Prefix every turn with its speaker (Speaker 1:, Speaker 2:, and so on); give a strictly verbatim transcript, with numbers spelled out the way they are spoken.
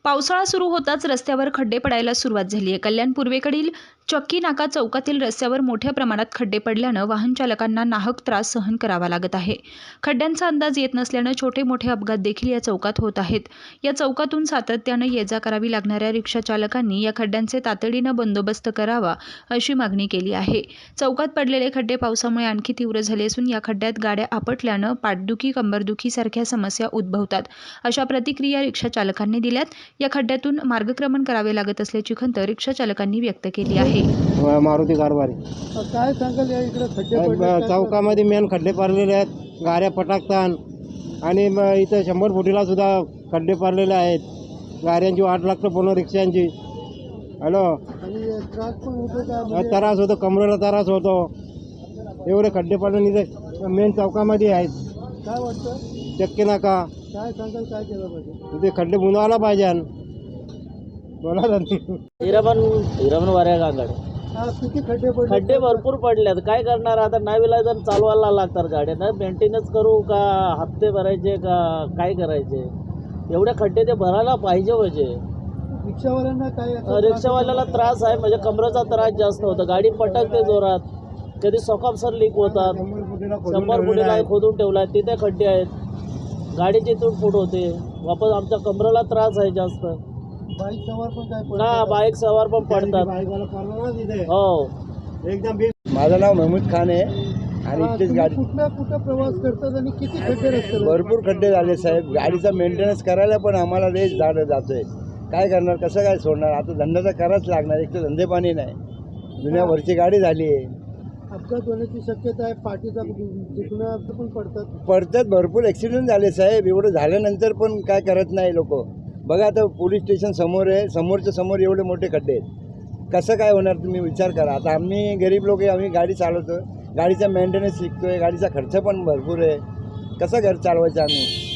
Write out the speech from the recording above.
Speaker 1: पावसाळा सुरू होताच रस्त्यावर खड्डे पडायला सुरुवात झाली आहे। कल्याण पूर्वेकडील चक्की नाका चौकातील रस्त्यावर मोठ्या प्रमाणात खड्डे पडल्यानं वाहन चालकांना नाहक त्रास सहन करावा लागत आहे। खड्ड्यांचा अंदाज येत नसल्यानं छोटे मोठे अपघात देखील या चौकात होत आहेत। या चौकातून सातत्यानं ये-जा करावी लागणाऱ्या रिक्षा चालकांनी या खड्ड्यांचे तातडीनं बंदोबस्त करावा अशी मागणी केली आहे। चौकात पडलेले खड्डे पावसामुळे आणखी तीव्र झाले असून या खड्ड्यात गाड्या आपटल्यानं पाठदुखी, कंबरदुखी सारख्या समस्या उद्भवतात, अशा प्रतिक्रिया रिक्षा चालकांनी दिल्यात। या खड्ड्यातून मार्गक्रमण करावे लागत असल्याची खंत रिक्षा चालकांनी व्यक्त केली आहे।
Speaker 2: मारुती कारभारी
Speaker 3: काय सांगाल या इकडे खड्डे पडले
Speaker 2: चौकामध्ये मेन खड्डे पडलेले आहेत, गाड्या पटाकतात आणि इथं शंभर फुटीला सुद्धा खड्डे पडलेले आहेत। गाड्यांची वाट लागतं, पूर्ण रिक्षांची। हॅलो,
Speaker 3: आणि त्रास पण होतो का?
Speaker 2: त्रास होतो, कमरेला त्रास होतो, एवढे खड्डे पडून इथे मेन चौकामध्ये आहेत।
Speaker 3: काय वाटतं
Speaker 2: चक्की नाका
Speaker 3: काय सांगाल काय केलं पाहिजे?
Speaker 2: इथे खड्डे बुंदवायला पाहिजे। बोला
Speaker 4: हिराबन हिराबन वाऱ्या गांगड
Speaker 3: हा, किती खड्डे पडले?
Speaker 4: खड्डे भरपूर पडलेत, काय करणार आता? नाही विलायचं चालवायला लागतात गाड्या, ना मेंटेनन्स करू का, हप्ते भरायचे का, काय करायचे? एवढे खड्डे ते भरायला पाहिजे म्हणजे।
Speaker 3: रिक्षावाल्यांना काय याचा
Speaker 4: रिक्षावाल्याला त्रास आहे, म्हणजे कमरेचा त्रास जास्त होतो, गाडी पटकते जोरात, कधी सॉकअपसर लीक होतात, शंभर फुटीला खोदून ठेवला आहे, तिथे खड्डे आहेत, गाडीची तुटफूट होते, वापस आमच्या कमरेला त्रास आहे जास्त।
Speaker 3: बाईक सवार पण काय
Speaker 4: ना बाईक सवार पण पडतात। हो,
Speaker 2: एकदम। माझं नाव महमूद खान आहे आणि
Speaker 3: हा,
Speaker 2: इथेच
Speaker 3: तुम्ही
Speaker 2: गाडी
Speaker 3: कुठल्या कुठं प्रवास करतात आणि किती खड्डे रस्त्यावर?
Speaker 2: भरपूर खड्डे झाले साहेब। गाडीचा मेंटेनन्स करायला पण आम्हाला लेस झाड जातोय, काय करणार, कसं काय सोडणार? आता धंदा तर करायच लागणार, एक तर धंदे पाणी नाही, दुनियाभरची गाडी झाली आहे।
Speaker 3: अपघात होण्याची शक्यता आहे, पाठीचा दुखणं पण पडतात
Speaker 2: पडतात, भरपूर ॲक्सिडेंट झाले साहेब। एवढं झाल्यानंतर पण काय करत नाही लोक। बघा आता पोलीस स्टेशन समोर आहे, समोरच्या समोर एवढे मोठे खड्डे आहेत, कसं काय होणार? तुम्ही विचार करा। आता आम्ही गरीब लोक आहे, आम्ही गाडी चालवतो, गाडीचा मेंटेनन्स शिकतोय, गाडीचा खर्च पण भरपूर आहे, कसं घर चालवायचं आम्ही?